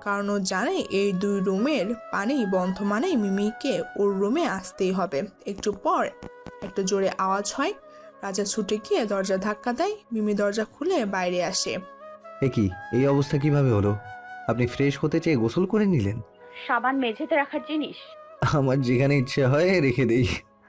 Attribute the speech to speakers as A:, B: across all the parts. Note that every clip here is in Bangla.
A: কারণ ও জানে এই দুই রুমের পানি বন্ধ মানেই মিমিকে ওর রুমে আসতেই হবে। একটু পর একটা জোরে আওয়াজ হয়। রাজা ছুটে গিয়ে দরজা ধাক্কা দেয়। মিমি দরজা খুলে বাইরে আসে।
B: এ কি, এই অবস্থা কিভাবে হলো? আপনি ফ্রেশ হতে চেয়ে গোসল করে নিলেন?
C: সাবান মেঝেতে রাখার জিনিস।
B: আমার যেখানে ইচ্ছে হয় রেখে দেই।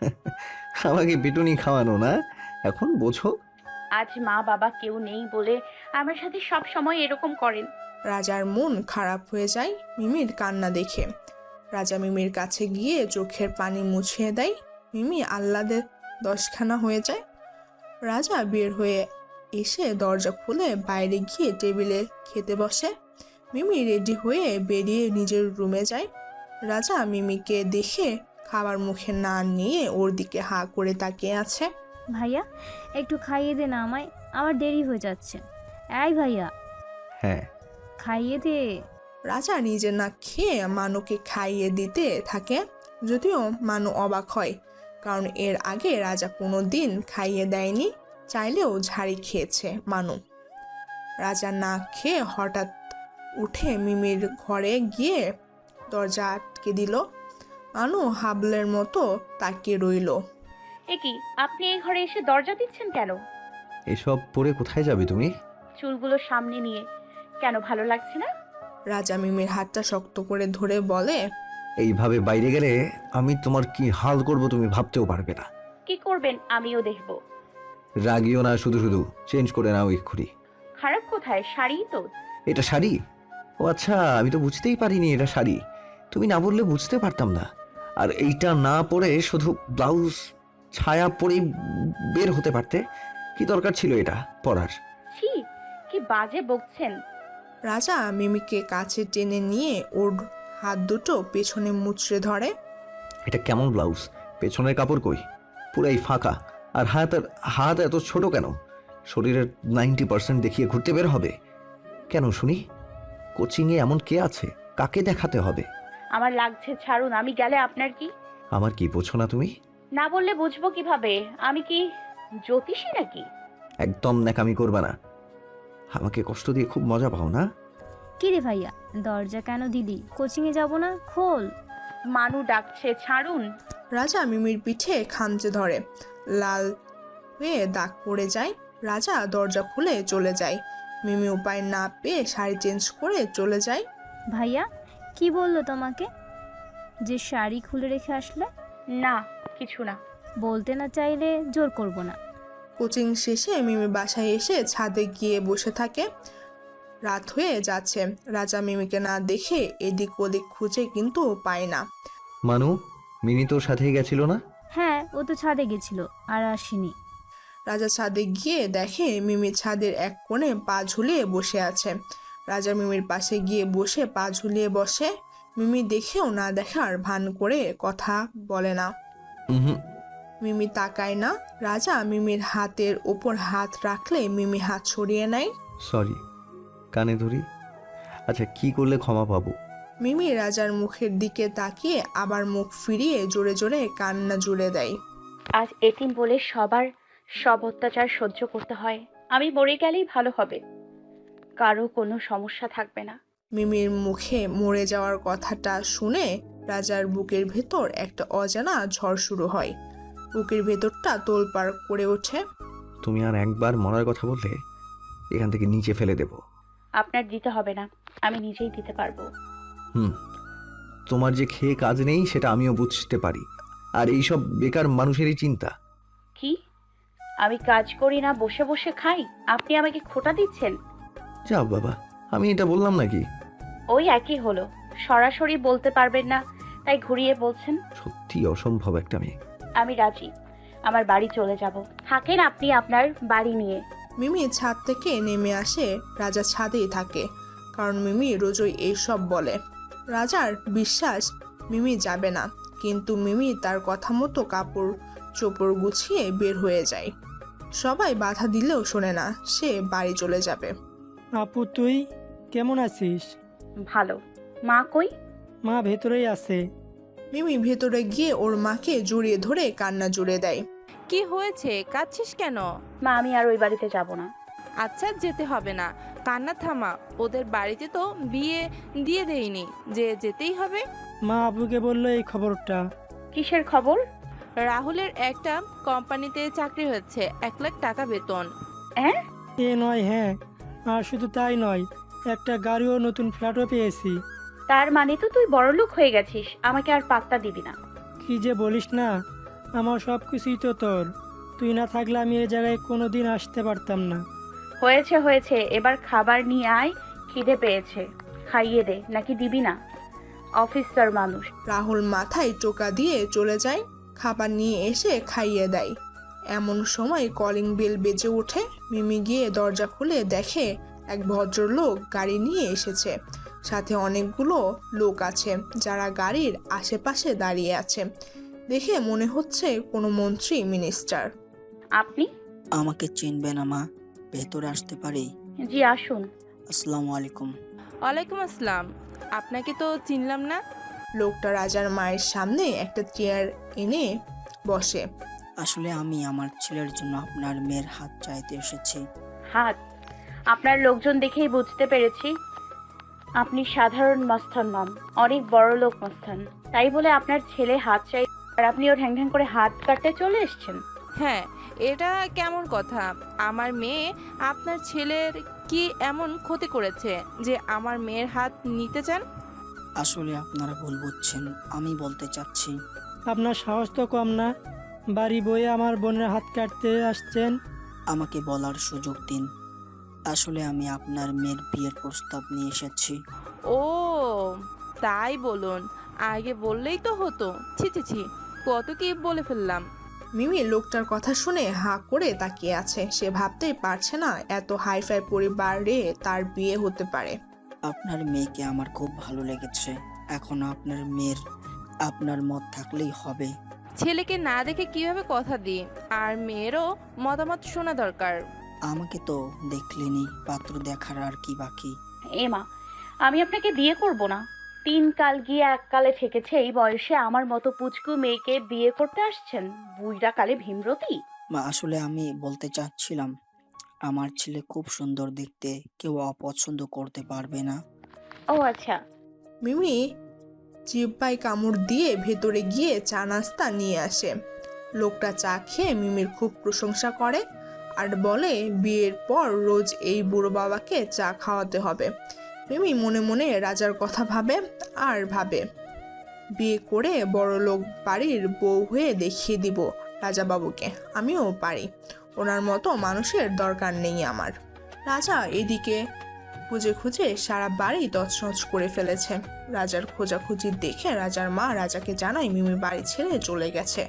B: আমাকে পিটুনি খাওয়ানো না, এখন বোঝো?
C: আজ মা বাবা কেউ নেই বলে আমার সাথে সব সময় এরকম করেন।
A: রাজার মন খারাপ হয়ে যায় মিমির কান্না দেখে। রাজা মিমির কাছে গিয়ে চোখের পানি মুছিয়ে দেয়। মিমি আহ্লাদে দশখানা হয়ে যায়। রাজা বের হয়ে এসে দরজা খুলে বাইরে গিয়ে টেবিলে খেতে বসে। মিমি রেডি হয়ে বেরিয়ে নিজের রুমে যায়। রাজা মিমিকে দেখে খাবার মুখে না নিয়ে ওর দিকে হা করে তাকিয়ে আছে।
D: ভাইয়া একটু খাইয়ে দে না আমায়, আমার দেরি হয়ে যাচ্ছে। এই ভাইয়া
B: হ্যাঁ।
D: খাইয়ে দে।
A: রাজা নিজে না খেয়ে মানুকে খাইয়ে দিতে থাকে। যদিও মানু অবাক হয়, কারণ এর আগে রাজা কোনো দিন খাইয়ে দেয়নি। চাইলেও ঝাড়ি খেয়েছে মানু। রাজা না খেয়ে হঠাৎ উঠে মিমির ঘরে গিয়ে দরজা আটকে দিল। মানু হাবলের মতো তাকিয়ে রইল।
C: এ কি, আপনি এই ঘরে এসে দরজা দিচ্ছেন কেন?
B: এসব পরে কোথায় যাবে তুমি?
C: চুলগুলো সামনে নিয়ে। কেন, ভালো লাগছে না?
A: রাজা মিমির হাতটা শক্ত করে ধরে বলে,
B: এইভাবে বাইরে গেলে আমি তোমার কি হাল করব তুমি ভাবতেও পারবে না।
C: কি করবেন আমিও দেখব।
B: রাগিও না, শুধু শুধু চেঞ্জ করে নাও এক্ষুনি।
C: খারাপ কোথায়? শাড়ি তো।
B: এটা শাড়ি? ও আচ্ছা, আমি তো বুঝতেই পারিনি এটা শাড়ি। তুমি না বললে বুঝতে পারতাম না। আর এইটা না পরে শুধু ব্লাউজ ছায়া পরেই বের হতে পারতে। কি দরকার ছিল এটা পরার?
C: ছি, কি বাজে বকছেন।
A: রাজা মিমিকে কাছে টেনে নিয়ে ওর হাত দুটো পেছনে মুচড়ে ধরে।
B: এটা কেমন ব্লাউজ? পেছনের কাপড় কই? পুরাই ফাঁকা। আর হাত এত ছোট কেন? শরীরের 90% দেখিয়ে ঘুরতে বের হবে কেন শুনি? কোচিংয়ে এমন কে আছে? কাকে দেখাতে হবে?
C: আমার লাগছে, ছাড়ুন। আমি গেলে আপনার কি?
B: আমার কি বোঝো না তুমি?
C: না বললে বুঝবো কিভাবে? আমি কি জ্যোতিষী নাকি?
B: একদম ন্যাকামি করবে না। আমাকে কষ্ট দিয়ে খুব মজা পাও না?
D: কি রে ভাইয়া, দরজা কেন দিলি? কোচিংয়ে যাব না? খোল।
C: মানু ডাকছে, ছাড়ুন।
A: রাজা মিমির পিঠে খামচে ধরে। লাল হয়ে দাগ পড়ে যায়। রাজা দরজা খুলে চলে যায়। মিমি উপায় না পেয়ে শাড়ি চেঞ্জ করে চলে যায়।
D: ভাইয়া কি বললো তোমাকে যে শাড়ি খুলে রেখে আসলে?
C: না, কিছু না।
D: বলতে না চাইলে জোর করব না।
A: কোচিং শেষে মিমি বাসায় এসে ছাদে গিয়ে বসে থাকে। রাত হয়ে যাচ্ছে। রাজা মিমিকে না দেখে এদিক ওদিক খুঁজে কিন্তু পায় না।
B: মানু, মিনি তোর সাথেই গেছিল না?
D: হ্যাঁ, ও তো ছাদে গেছিল আর আসেনি।
A: রাজা ছাদে গিয়ে দেখে মিমি ছাদের এক কোণে পা ঝুলিয়ে বসে আছে। রাজা মিমির পাশে গিয়ে বসে পা ঝুলিয়ে বসে। মিমি দেখেও না দেখার ভান করে কথা বলে না।
B: হুম।
A: মিমি তাকায় না। রাজা মিমির হাতের ওপর হাত রাখলে মিমি হাত সরিয়ে নেয়।
B: সরি, কানে ধরি। আচ্ছা, কি করলে ক্ষমা পাবো?
A: মিমি রাজার মুখের দিকে তাকিয়ে আবার মুখ ফিরিয়ে জোরে জোরে কান্না জুড়ে দেয়।
C: আজ এতিম বলে সবার সব অত্যাচার সহ্য করতে হয়। আমি মরে গেলেই ভালো হবে, কারো কোনো সমস্যা থাকবে না।
A: মিমির মুখে মরে যাওয়ার কথাটা শুনে রাজার বুকের ভেতর একটা অজানা ঝড় শুরু হয়। বুকের ভেতরটা তোলপাড় করে ওঠে।
B: তুমি আর একবার মরার কথা বললে এখান থেকে নিচে ফেলে দেব।
C: আপনার দিতে হবে না, আমি নিজেই দিতে পারবো।
B: তোমার যে খেয়ে কাজ নেই সেটা আমিও বুঝতে পারি। আর এইসব বেকার মানুষেরই চিন্তা।
C: কি? আমি কাজ করি না, বসে বসে খাই? আপনি আমাকে খোটা দিচ্ছেন?
B: যা বাবা, আমি এটা বললাম নাকি?
C: ওই একই হলো। সরাসরি বলতে পারবেন না তাই ঘুরিয়ে বলছেন।
B: সত্যি অসম্ভব একটা মেয়ে।
C: আমি রাজি, আমার বাড়ি চলে যাব। থাকেন আপনি আপনার বাড়ি নিয়ে।
A: মিমি ছাদ থেকে নেমে আসে। রাজা ছাদেই থাকে, কারণ মিমি রোজই এইসব বলে। রাজার বিশ্বাস মিমি যাবে না, কিন্তু মিমি তার কথা মতো কাপড় চোপড় গুছিয়ে বের হয়ে যায়। সবাই বাধা দিলেও শোনে না, সে বাড়ি চলে যাবে।
E: আপু তুই কেমন আছিস?
C: ভালো। মা কই?
E: মা ভেতরেই আছে।
A: মিমি ভেতরে গিয়ে ওর মাকে জড়িয়ে ধরে কান্না জুড়ে দেয়।
F: কি হয়েছে, কাঁদছিস কেন?
C: মা, আমি আর ওই বাড়িতে যাব না।
F: আচ্ছা, যেতে হবে না। কান্না থামা, ওদের বাড়িতে তো বিয়ে দিয়ে দেয়নি যে যেতেই হবে।
E: মা আব্বুকে বললো এই খবরটা।
C: কিসের খবর?
F: রাহুলের একটা কোম্পানিতে চাকরি হয়েছে, 1 লাখ টাকা বেতন।
C: হ্যাঁ?
E: এ নয় হ্যাঁ, আর শুধু তাই নয়, একটা গাড়িও নতুন ফ্ল্যাটও পেয়েছি।
C: তার মানে তো তুই বড়লোক হয়ে গেছিস, আমাকে আর পাত্তা দিবি না।
E: কি যে বলিস না, আমার সব কিছুই তো তোর। তুই না থাকলে আমি এই জায়গায় কোনো দিন আসতে পারতাম না।
C: হয়েছে হয়েছে, এবার খাবার নিয়ে আয়, খিদে পেয়েছে। খাইয়ে দে, নাকি দিবি না? অফিসার মানুষ।
A: রাহুল মাথায় টোকা দিয়ে চলে যায়, খাবার নিয়ে এসে খাইয়ে দেয়। এমন সময় কলিং বেল বেজে ওঠে। মিমি গিয়ে দরজা খুলে দেখে এক ভদ্রলোক গাড়ি নিয়ে এসেছে। সাথে অনেকগুলো লোক আছে যারা গাড়ির আশেপাশে দাঁড়িয়ে আছে। দেখে মনে হচ্ছে কোনো মন্ত্রী মিনিস্টার।
C: আপনি?
G: আমাকে চিনবে না মা? ভেতরে আসতে পারি?
C: জি আসুন।
G: আসসালামু আলাইকুম।
F: ওয়ালাইকুম আসসালাম। আপনাকে তো চিনলাম না।
A: লোকটা রাজার মায়ের সামনে একটা চেয়ার এনে বসে।
G: আসলে আমি আমার ছেলের জন্য আপনার মেয়ের হাত চাইতে এসেছি।
C: হাত? আপনার লোকজন দেখেই বুঝতে পেরেছি আপনি সাধারণ মস্তান নন, অনেক বড় লোক মস্তান। তাই বলে আপনার ছেলে হাত চাই আর আপনি ওর ঢ্যাং ঢ্যাং করে হাত কাটতে চলে এসেছেন?
F: হ্যাঁ, এটা কেমন কথা? আমার মেয়ে আপনার ছেলের কি এমন ক্ষতি করেছে যে আমার মেয়ের হাত নিতে চান?
G: আসলে আপনারা ভুল বুঝছেন, আমি বলতে চাচ্ছি।
E: আপনার সাহস তো কম না, বাড়ি বয়ে আমার বোনের হাত কাটতে আসছেন।
G: আমাকে বলার সুযোগ দিন। আসলে আমি আপনার মেয়ের বিয়ের প্রস্তাব নিয়ে এসেছি।
F: ও তাই বলুন, আগে বললেই তো হতো। ছি ছি ছি, কত কি বলে ফেললাম।
A: মিমি লোকটার কথা শুনে হাঁ করে তাকিয়ে আছে। সে ভাবতেই পারছে না এত হাইফাই পরিবারে তার বিয়ে হতে পারে।
G: আপনার মেয়েকে আমার খুব ভালো লেগেছে। এখন আপনার মেয়ের আপনার মত থাকলেই হবে।
F: ছেলেকে না দেখে কিভাবে কথা দিই? আর মেয়েরও মতামত শোনা দরকার।
G: আমাকে তো দেখলেনি, পাত্র দেখার আর কি বাকি?
C: এমা, আমি আপনাকে বিয়ে করব না। 3 কাল গিয়ে 1 কালে ঠেকেছে। এই বয়সে আমার মতো পুচকু মেয়েকে বিয়ে করতে আসছেন? বুইড়া কালে ভীমরতি।
G: মা আসলে আমি বলতে চাচ্ছিলাম, আমার ছেলে খুব সুন্দর দেখতে, কেউ অপছন্দ করতে পারবে না।
C: ও আচ্ছা।
A: মিমি জিহ্বায় কামড় দিয়ে ভেতরে গিয়ে চা নাস্তা নিয়ে আসে। লোকটা চা খেয়ে মিমির খুব প্রশংসা করে আর বলে বিয়ের পর রোজ এই বুড়ো বাবাকে চা খাওয়াতে হবে। মিমি মনে মনে রাজার কথা ভাবে আর ভাবে, বিয়ে করে বড় লোক বাড়ির বউ হয়ে দেখিয়ে দিব রাজা বাবুকে আমিও পারি। ওনার মতো মানুষের দরকার নেই আমার। রাজা এদিকে খুঁজে খুঁজে সারা বাড়ি তছনছ করে ফেলেছে। রাজার খোঁজাখুঁজি দেখে রাজার মা রাজাকে জানায় মিমি বাড়ি ছেড়ে চলে গেছে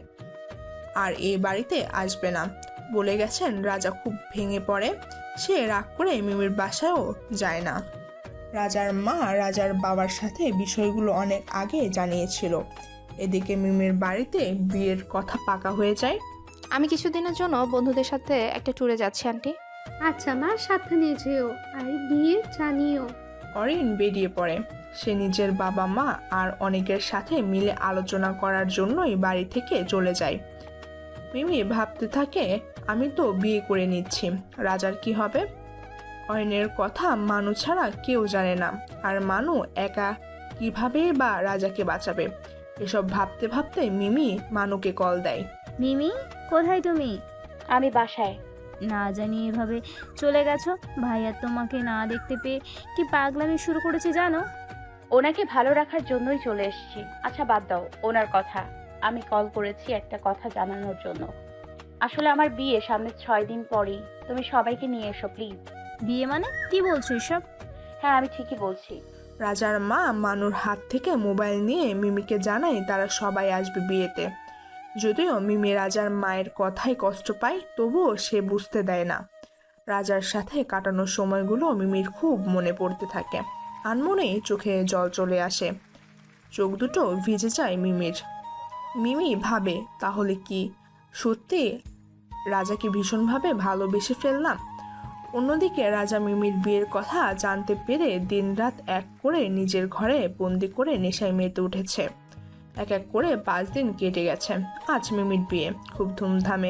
A: আর এই বাড়িতে আসবে না বলে গেছেন। রাজা খুব ভেঙে পড়ে। সে রাগ করে মিমির বাসায়ও যায় না। রাজার মা রাজার বাবার সাথে বিষয়গুলো অনেক আগে জানিয়েছিল। এদিকে মিমির বাড়িতে বিয়ের কথা পাকা হয়ে যায়।
H: আমি কিছুদিনের জন্য বন্ধুদের সাথে একটা ট্যুরে যাচ্ছি আন্টি।
I: আচ্ছা মা, সাবধানে যেও আর গিয়ে জানিও।
A: অরিন বেরিয়ে পড়ে। সে নিজের বাবা মা আর অনেকের সাথে মিলে আলোচনা করার জন্যই বাড়ি থেকে চলে যায়। মিমি ভাবতে থাকে, আমি তো বিয়ে করে নিচ্ছি, রাজার কি হবে? অরিনের কথা মানু ছাড়া কেউ জানে না, আর মানু একা কিভাবে বা রাজাকে বাঁচাবে? এসব ভাবতে ভাবতে মিমি মানুকে কল দেয়।
D: মিমি, কোথায় তুমি?
C: আমি বাসায়।
D: না জানি এভাবে চলে গেছো। ভাইয়া তোমাকে না দেখতে পেয়ে কি পাগলামি শুরু করেছে জানো?
C: ওনাকে ভালো রাখার জন্যই চলে এসেছি। আচ্ছা বাদ দাও ওনার কথা। আমি কল করেছি একটা কথা জানানোর জন্য। আসলে আমার বিয়ে সামনে 6 দিন পরেই। তুমি সবাইকে নিয়ে এসো প্লিজ।
D: বিয়ে মানে কি বলছো এসব?
C: হ্যাঁ আমি ঠিকই বলছি।
A: রাজার মা মানুর হাত থেকে মোবাইল নিয়ে মিমিকে জানায় তারা সবাই আসবে বিয়েতে। যদিও মিমি রাজার মায়ের কথায় কষ্ট পায়, তবুও সে বুঝতে দেয় না। রাজার সাথে কাটানো সময়গুলো মিমির খুব মনে পড়তে থাকে। আনমনেই চোখে জল চলে আসে, চোখ দুটো ভিজে যায় মিমির। মিমি ভাবে, তাহলে কি সত্যি রাজাকে ভীষণভাবে ভালোবেসে ফেললাম? অন্যদিকে রাজা মিমির বিয়ের কথা জানতে পেরে দিনরাত এক করে নিজের ঘরে বন্দি করে নেশায় মেতে উঠেছে। এক এক করে 5 দিন কেটে গেছে। আজ মিমির বিয়ে খুব ধুমধামে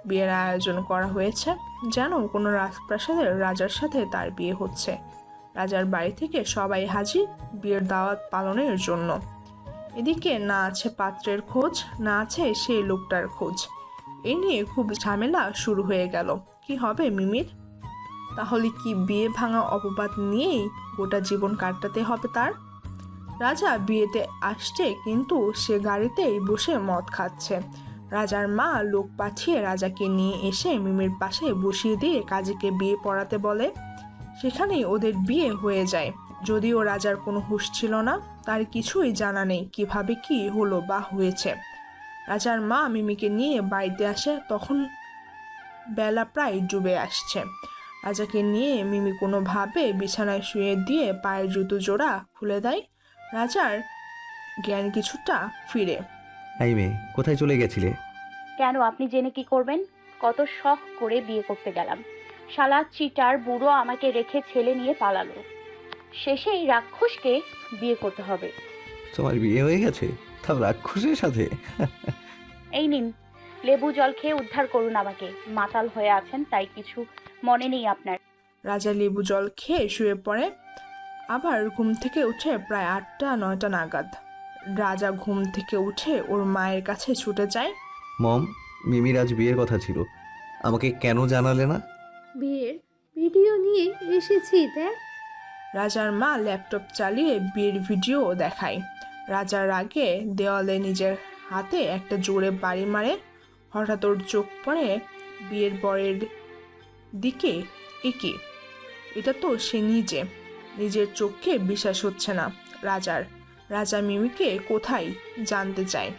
A: বিয়ের আয়োজন করা হয়েছে, যেন কোনো রাজপ্রাসাদের রাজার সাথে তার বিয়ে হচ্ছে। রাজার বাড়ি থেকে সবাই হাজির বিয়ের দাওয়াত পালনের জন্য। এদিকে না আছে পাত্রের খোঁজ, না আছে সেই লোকটার খোঁজ। এই নিয়ে খুব ঝামেলা শুরু হয়ে গেল। কি হবে মিমির? তাহলে কি বিয়ে ভাঙা অপবাদ নিয়েই গোটা জীবন কাটাতে হবে তার? রাজা বিয়েতে আসছে, কিন্তু সে গাড়িতেই বসে মদ খাচ্ছে। রাজার মা লোক পাঠিয়ে রাজাকে নিয়ে এসে মিমির পাশে বসিয়ে দিয়ে কাজীকে বিয়ে পড়াতে বলে। সেখানেই ওদের বিয়ে হয়ে যায়। যদিও রাজার কোনো হুঁশ ছিল না, তার কিছুই জানা নেই কিভাবে কি হলো বা হয়েছে। রাজার মা মিমিকে নিয়ে বাড়িতে আসে, তখন বেলা প্রায় ডুবে আসছে। রাজাকে নিয়ে মিমি কোনোভাবে বিছানায় শুয়ে দিয়ে পায়ের জুতো জোড়া খুলে দেয়। রাজার জ্ঞান কিছুটা ফিরে।
B: এই মেয়ে, কোথায় চলে গেছিলে?
C: কেন, আপনি জেনে কি করবেন? কত শখ করে বিয়ে করতে গেলাম, শালা চিটার বুড়ো আমাকে রেখে ছেলে নিয়ে পালালো। শেষে এই রাক্ষসকে বিয়ে করতে হবে।
B: তোমার বিয়ে হয়ে গেছে, তাও রাক্ষসের সাথে?
C: এই নিন, লেবু জল খেয়ে উদ্ধার করুন আমাকে। মাতাল হয়ে আছেন তাই কিছু মনে নেই আপনার।
A: রাজা লেবু জল খেয়ে শুয়ে পড়ে। আবার ঘুম থেকে উঠে প্রায় 8টা-9টা নাগাদ। রাজা ঘুম থেকে উঠে ওর মায়ের কাছে ছুটে যায়।
B: মম, মিমির আজ বিয়ের কথা ছিল, আমাকে কেন জানালে না?
I: বিয়ের ভিডিও নিয়ে এসেছি দেখ।
A: রাজার মা ল্যাপটপ চালিয়ে বিয়ের ভিডিও দেখায়। রাজার রাগে দেওয়ালে নিজের হাতে একটা জোরে বাড়ি মারে। হঠাৎ ওর চোখ পড়ে বিয়ের বরের দিকে। একে, এটা তো সে নিজের চোখকে বিশ্বাস হচ্ছে না রাজার। রাজা মিমিকে কোথায় জানতে চায়।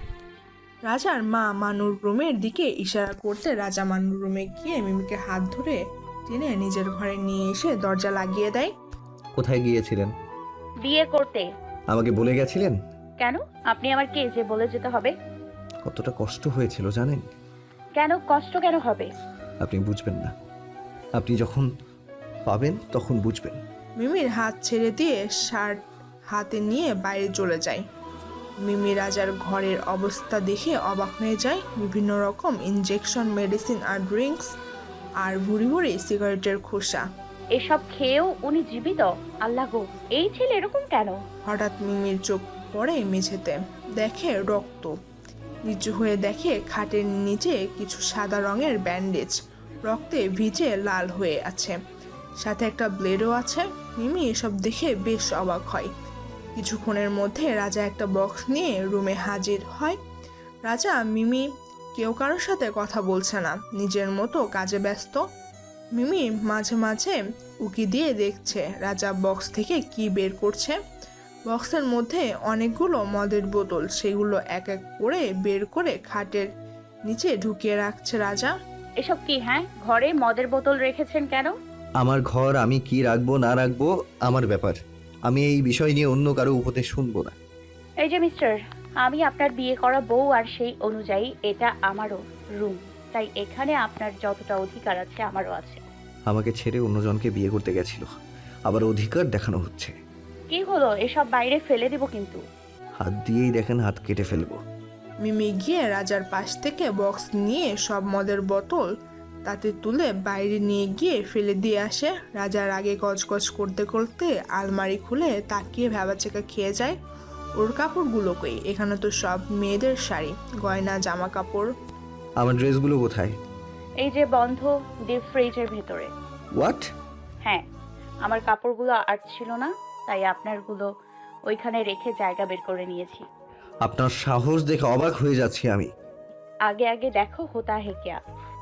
A: রাজার মা মানুর রুমের দিকে ইশারা করতে রাজা মানুর রুমে গিয়ে মিমিকে হাত ধরে টেনে নিজের ঘরে নিয়ে এসে দরজা লাগিয়ে দেয়।
B: কোথায় গিয়েছিলেন?
C: বিয়ে করতে।
B: আমাকে বলে গেছিলেন?
C: কেন, আপনি আমার কে যে বলে যেতে হবে?
B: কতটা কষ্ট হয়েছিল জানেন?
C: কেন কষ্ট কেন হবে?
B: আপনি বুঝবেন না, আপনি যখন পাবেন তখন বুঝবেন।
A: মিমির হাত ছেড়ে দিয়ে শার্ট হাতে নিয়ে বাইরে চলে যায়। মিমি রাজার ঘরের অবস্থা দেখে অবাক হয়ে যায়। বিভিন্ন রকম ইনজেকশন, মেডিসিন আর ড্রিঙ্কস, আর ভুড়ি ভুড়ি সিগারেটের খোসা।
C: এসব খেয়েও উনি জীবিত? আল্লাহ গো, এই ছেলে এরকম কেন?
A: হঠাৎ মিমির চোখ পড়ে মেঝেতে, দেখে রক্ত। নিচু হয়ে দেখে খাটের নিচে কিছু সাদা রঙের ব্যান্ডেজ রক্তে ভিজে লাল হয়ে আছে, সাথে একটা ব্লেডও আছে। মিমি এসব দেখে বেশ অবাক হয়। কিছুক্ষণের মধ্যে রাজা একটা বক্স নিয়ে রুমে হাজির হয়। রাজা মিমি কেউ কারোর সাথে কথা বলছে না, নিজের মতো কাজে ব্যস্ত। মিমি মাঝে মাঝে উকি দিয়ে দেখছে রাজা বক্স থেকে কি বের করছে। বক্সের মধ্যে অনেকগুলো মদের বোতল, সেগুলো এক এক করে বের করে খাটের নিচে ঢুকিয়ে রাখছে রাজা।
C: এসব কি? হ্যাঁ, ঘরে মদের বোতল রেখেছেন কেন?
B: আমার ঘর, আমি কি রাখবো না রাখবো আমার ব্যাপার। আমি এই বিষয় নিয়ে অন্য কারো উপদেশ শুনবো না।
C: এই যে মিস্টার, আমি আপনার বিয়ে করা বউ, আর সেই অনুযায়ী এটা আমারও রুম, তাই এখানে আপনার যতটা অধিকার আছে আমারও আছে।
B: আমাকে ছেড়ে অন্যজনকে বিয়ে করতে গেছিল, আবার অধিকার দেখানো হচ্ছে।
C: কি হলো? এসব বাইরে ফেলে দিব কিন্তু।
B: হাত দিয়েই দেখেন, হাত কেটে ফেলবো।
A: মিমি গিয়ে রাজার পাশ থেকে বক্স নিয়ে সব মদের বোতল তাতে তুলে বাইরে নিয়ে গিয়ে ফেলে দিয়ে আসে। রাজার আগে গজগজ করতে করতে আলমারি খুলে তাকিয়ে ভ্যাবাচেকা খেয়ে যায়। ওর কাপড়গুলো কই? এখানে তো সব মেয়েদের শাড়ি, গয়না, জামা কাপড়।
B: আমার ড্রেসগুলো কোথায়?
C: এই যে বন্ধ ডিপ ফ্রিজের ভেতরে।
B: হোয়াট?
C: হ্যাঁ, আমার কাপড়গুলো আর ছিল না, তাই আপনারগুলো ওইখানে রেখে জায়গা বের করে নিয়েছি।
B: আপনার সাহস দেখে অবাক হয়ে যাচ্ছি আমি।
C: আগে আগে দেখো হোতা হে ক্যা।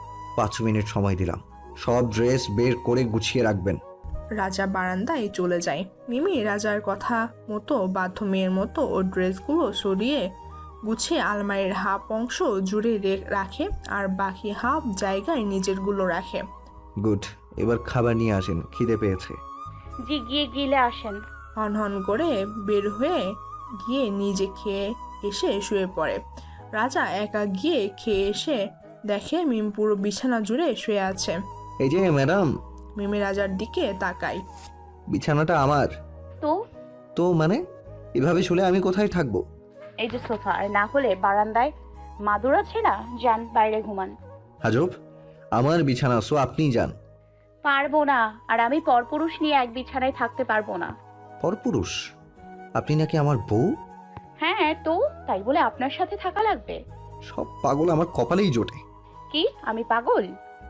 B: 5 মিনিট সময় দিলাম, সব ড্রেস বের করে গুছিয়ে রাখবেন।
A: রাজা বারান্দায় চলে যায়। মিমি রাজার কথা মতো বাধ্য মেয়ের মতো ওর ড্রেসগুলো সরিয়ে গুছিয়ে আলমারির হাফ অংশ জুড়ে রাখে, আর বাকি হাফ জায়গায় নিজেরগুলো রাখে।
B: গুড, এবার খাবার নিয়ে আসেন, খিদে পেয়েছে।
C: জি, গিয়ে গিলে আসেন।
A: হন হন করে বের হয়ে গিয়ে নিজে খেয়ে এসে শুয়ে পড়ে। রাজা একা গিয়ে খেয়ে এসে দেখে মিম পুরো বিছানা জুড়ে শুয়ে আছে।
B: এই যে ম্যাডাম।
A: মিমি রাজার দিকে তাকায়।
B: বিছানাটা আমার।
C: তো
B: মানে এভাবে শুলে আমি কোথায় থাকবো?
C: এই যে সোফা, আর না হলে বারান্দায় মাদুর আছে না, যান বাইরে ঘুমান।
B: আজব, আমার বিছানা, সো আপনিই যান।
C: পারবো না, আর আমি পরপুরুষ নিয়ে এক বিছানায় থাকতে পারবো না।
B: পরপুরুষ? আপনি নাকি আমার বউ?
C: হ্যাঁ তো, তাই বলে আপনার সাথে থাকা লাগবে?
B: সব পাগল আমার কপালেই জোটে।
C: কি আমি পাগল?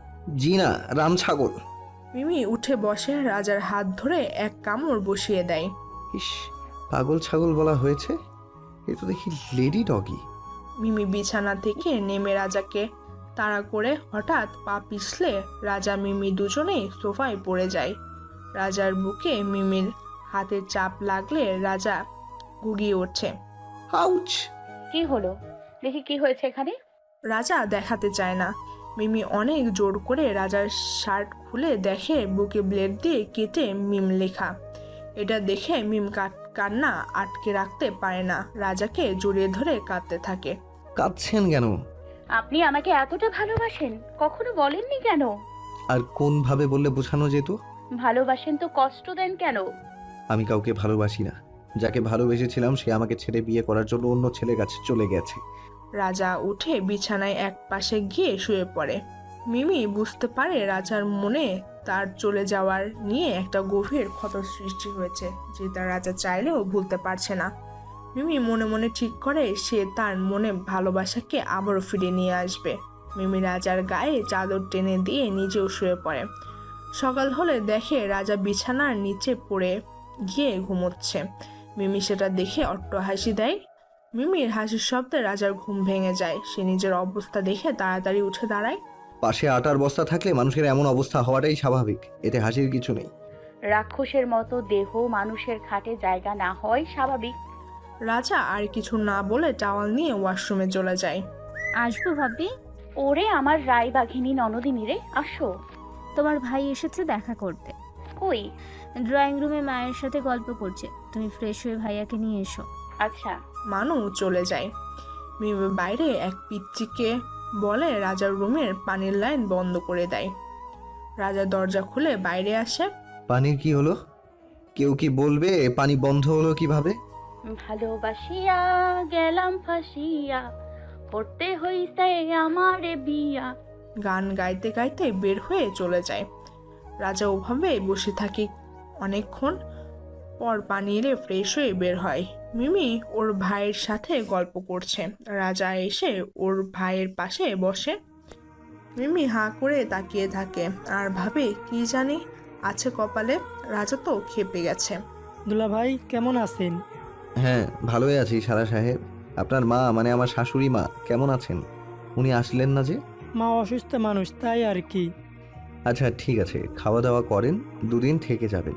B: জি না, রাম ছাগল।
A: মিমি উঠে বসে রাজার হাত ধরে এক কামড় বসিয়ে দেয়।
B: ইস, পাগল ছাগল বলা হয়েছে, এ তো দেখি লেডি ডগি।
A: মিমি বিছানা থেকে নেমে রাজাকে তাড়া করে হঠাৎ পা পিছলে রাজা মিমি দুজনেই সোফায় পড়ে যায়। রাজার বুকে মিমির হাতের চাপ লাগলে রাজা গুগিয়ে ওঠে।
B: আউচ!
C: কি হলো? দেখি কি হয়েছে এখানে।
A: রাজা দেখাতে চায় না। মিমি অনেক জোর করে রাজার শার্ট খুলে দেখে বুকে ব্লেড দিয়ে কেটে মিম লেখা। এটা দেখে মিম কান্না আটকে রাখতে পারে না, রাজাকে জড়িয়ে ধরে কাঁদতে থাকে।
B: কাঁদছেন কেন?
C: আপনি আমাকে এতটা ভালোবাসেন, কখনো বলেননি কেন?
B: আর কোন ভাবে বললে বোঝানো যেত?
C: ভালোবাসেন তো কষ্ট দেন কেন?
B: আমি কাউকে ভালোবাসি না। যাকে ভালোবেসেছিলাম সে আমাকে ছেড়ে বিয়ে করার জন্য অন্য ছেলের কাছে চলে গেছে।
A: রাজা উঠে বিছানায় এক পাশে গিয়ে শুয়ে পড়ে। মিমি বুঝতে পারে রাজার মনে তার চলে যাওয়ার নিয়ে একটা গভীর ক্ষত সৃষ্টি হয়েছে, যেটা রাজা চাইলেও ভুলতে পারছে না। মিমি মনে মনে ঠিক করে সে তার মনে ভালোবাসাকে আবারও ফিরে নিয়ে আসবে। মিমি রাজার গায়ে চাদর টেনে দিয়ে নিজেও শুয়ে পড়ে। সকাল হলে দেখে রাজা বিছানার নিচে পড়ে গিয়ে ঘুমোচ্ছে। মিমি সেটা দেখে অট্টহাসি দেয়। মিমির হাসির শব্দে রাজার ঘুম ভেঙে যায়। সে নিজের অবস্থা দেখে তাড়াতাড়ি উঠে দাঁড়ায়।
B: পাশে আটার বস্তা থাকলে মানুষের এমন অবস্থা হওয়াটাই স্বাভাবিক, এতে হাসির কিছু নেই।
C: রাক্ষসের মতো দেহ মানুষের খাটে জায়গা না হয় স্বাভাবিক।
A: রাজা আর কিছু না বলে টাওয়াল নিয়ে ওয়াশরুমে চলে যায়।
D: আসবো ভাবি?
C: ওরে আমার রায় বাঘিনী ননদিনী রে, আসো।
D: তোমার ভাই এসেছে দেখা করতে।
C: কই?
D: ড্রয়িং রুমে মায়ের সাথে গল্প করছে, তুমি ফ্রেশ হয়ে ভাইয়াকে নিয়ে এসো।
C: আচ্ছা।
A: মানু চলে যায়। মিমি বাইরে এক পিচ্চিকে বলে রাজার রুমের পানির লাইন বন্ধ করে দেয়। রাজা দরজা খুলে বাইরে আসে।
B: পানির কি হলো? কেউ কি বলবে পানি বন্ধ হলো কিভাবে?
C: ভালোবাসিয়া গেলাম ফাঁসিয়া, করতে হইছে আমারে বিয়া।
A: গান গাইতে গাইতে বের হয়ে চলে যায়। রাজা ওভাবে বসে থাকে অনেকক্ষণ পর পানি এলে ফ্রেশ হয়ে বের হয়। মিমি ওর ভাইয়ের সাথে গল্প করছে। রাজা এসে ওর ভাইয়ের পাশে বসে। মিমি হাঁ করে তাকিয়ে থাকে আর ভাবে কি জানি আছে কপালে। রাজা তো খেপে গেছে।
E: দুলা ভাই কেমন আছেন?
B: হ্যাঁ, ভালোই আছি সারা সাহেব। আপনার মা মানে আমার শাশুড়ি মা কেমন আছেন? উনি আসলেন না যে?
E: মা অসুস্থ মানুষ, তাই আর কি।
B: আচ্ছা ঠিক আছে, খাওয়া দাওয়া করেন, দুদিন থেকে যাবেন।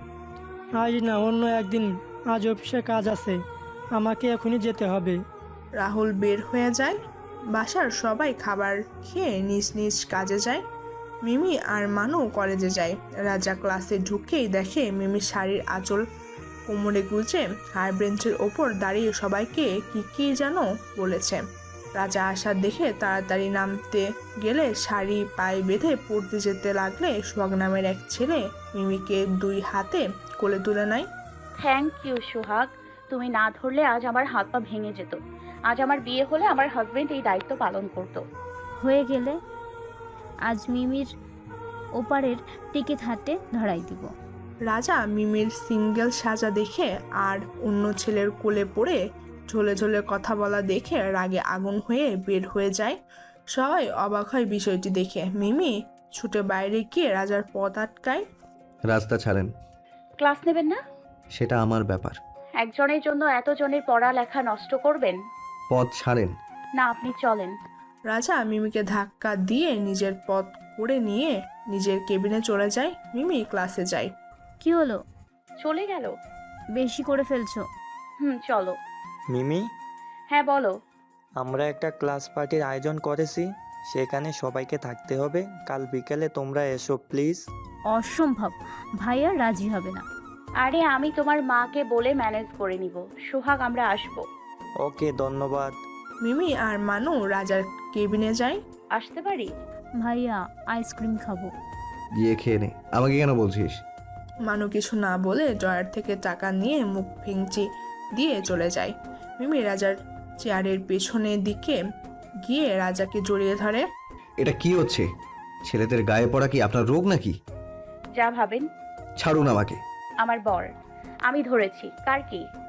E: আজ না, অন্য একদিন। আজ অফিসে কাজ আছে, আমাকে এখনই যেতে হবে।
A: রাহুল বের হয়ে যায়। বাসার সবাই খাবার খেয়ে নিজ নিজ কাজে যায়। মিমি আর মানু কলেজে যায়। রাজা ক্লাসে ঢুকেই দেখে মিমি শাড়ির আঁচল কোমরে গুজে হাই বেঞ্চের ওপর দাঁড়িয়ে সবাইকে কি যেন বলেছে। রাজা আসার দেখে তাড়াতাড়ি নামতে গেলে শাড়ি পায়ে বেঁধে পড়তে যেতে লাগলে সোহাগ নামের এক ছেলে মিমিকে দুই হাতে কোলে তুলে নেয়।
C: থ্যাংক ইউ সোহাগ, তুমি না ধরলে আজ আমার হাত পা ভেঙে যেত। আজ আমার বিয়ে হলে আমার হাজবেন্ড এই দায়িত্ব পালন করত।
D: হয়ে গেলে আজ মিমির ওপারের টিকিট হাতে ধরাই দিব।
A: রাজা মিমির সিঙ্গেল সাজা দেখে আর অন্য ছেলের কোলে পড়ে ঝোলে ঝোলে কথা বলা দেখে রাগে আগুন হয়ে বের হয়ে যায়। সবাই অবাক হয় বিষয়টি দেখে। মিমি ছুটে বাইরে গিয়ে রাজার পথ আটকায়।
B: রাস্তা ছাড়েন।
C: ক্লাস নেবেন না?
B: সেটা আমার ব্যাপার।
C: একজনের জন্য এতজনের পড়ালেখা নষ্ট করবেন?
B: পথ ছাড়েন।
C: না, আপনি চলেন।
A: রাজা মিমিকে ধাক্কা দিয়ে নিজের পথ করে নিয়ে নিজের কেবিনে চলে যায়। মিমি ক্লাসে যায়।
D: কি হলো?
C: চলে গেল?
D: বেশি করে ফেলছো।
C: চলো।
J: মিমি,
C: হ্যাঁ বলো।
J: আমরা একটা ক্লাস পার্টির আয়োজন করেছি, সেখানে সবাইকে থাকতে হবে। কাল বিকেলে তোমরা এসো প্লিজ।
D: অসম্ভব, ভাইয়া রাজি হবে না।
C: আরে আমি তোমার মাকে বলে ম্যানেজ করে নিব। সোহাগ, আমরা আসবো।
J: ওকে, ধন্যবাদ।
A: মিমি আর মানু রাজার কেবিনে যায়।
C: আসতে পারি?
D: ভাইয়া আইসক্রিম খাবো।
B: গিয়ে খেয়ে নে, আমাকে কেন বলছিস?
A: মানু কিছু না বলে ড্রয়ার থেকে টাকা নিয়ে মুখ ভেঙচি দিয়ে চলে যায়। মিমি রাজার চেয়ারের পেছনের দিকে গিয়ে রাজাকে জড়িয়ে ধরে।
B: এটা কি হচ্ছে? ছেলেদের গায়ে পড়া কি আপনার রোগ নাকি?
C: যা ভাবেন।
B: ছাড়ুন আমাকে।
C: আমার বর। আমি ধরেছি। কার কি?